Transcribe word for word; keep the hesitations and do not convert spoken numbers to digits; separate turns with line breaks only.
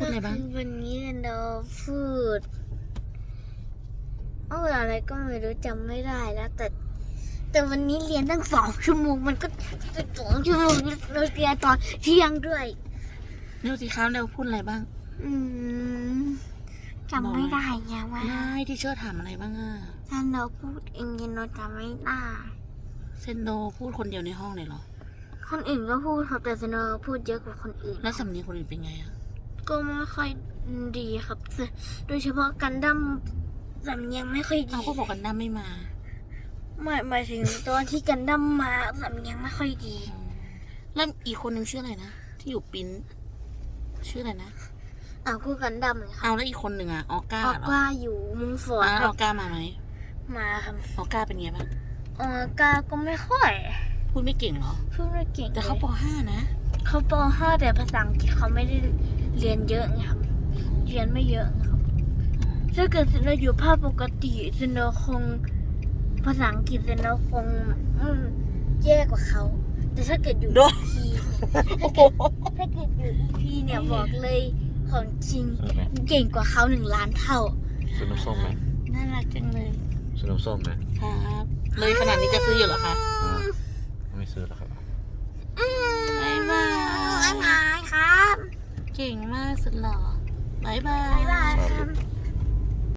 พูดอะไรบ้าง
วันนี้เราพูดเอออะไรก็ไม่รู้จำไม่ได้แล้ว แต่ แต่วันนี้เรียนตั้งสองชั่วโมงมันก็สองชั่วโมงเราเรียนตอนเที่ยงด้วย
เร็วสิครับเร็วพูดอะไรบ้าง
อืมจำไม่ได้ไงว่า
ได้ที่เชื่อถามอะไรบ้างอ่ะ
ถ้าเราพูดเองเราจำไม่ได้
เซนโดพูดคนเดียวในห้องเลยเหรอ
คนอื่นก็พูดครับแต่เซนโดพูดเยอะกว่าคนอื่น
แล้วสำเนียงคนอื่นเป็นไงอ่ะ
ก็ไม่ค่อยดีครับโดยเฉพาะกันดั้มสำเนียงไม่ค่อยดี
เขาก็บอกกันดั้มไม่มา
หมายหมายถึงตอนที่กันดั้มมาสำเนียงไม่ค่อยดี
แล้วอีกคนนึงชื่ออะไรนะที่อยู่ปิ้นชื่ออะไรนะ
อ้าวคู่กันดั้มเลยค่ะ
เอาแล้วอีกคนหนึ่งอ่ะออก้า
ออก้าอยู่มุงฝน
ออก้ามาไหม
มาครับ
ออก้าเป็นไงบ้าง
ออก้าก็ไม่ค่อย
พูดไม่เก่งเหรอ
พูดไม่เก่ง
แต่เขาป ห้า นะ
เขาป ห้าแต่ภาษาอังกฤษเขาไม่ได้เรียนเยอะไงครับเรียนไม่เยอะครับถ้าเกิดเราอยู่ภาคปกติเราคงภาษาอังกฤษเราคงแย่กว่าเขาแต่ถ้าเกิดอยู่ อี พี ถ้าเกิดอยู่ อี พี เนี่ยบอกเลยของจริงเก่งกว่าเขาหนึ่งล้านเท่า
ซื้อน้ำส้มไหม
น่ารักจังเลย
ซื้อน้ำส้มไหม
ครับเลยขนาดนี้จะซื้ออยู่เหรอคะ
ไม่ซื้อแล้วครับ
บ๊ายบาย
บ๊ายบายครับ
เก่งมากสุดหล่อบ๊ายบาย
บ๊ายบายครับ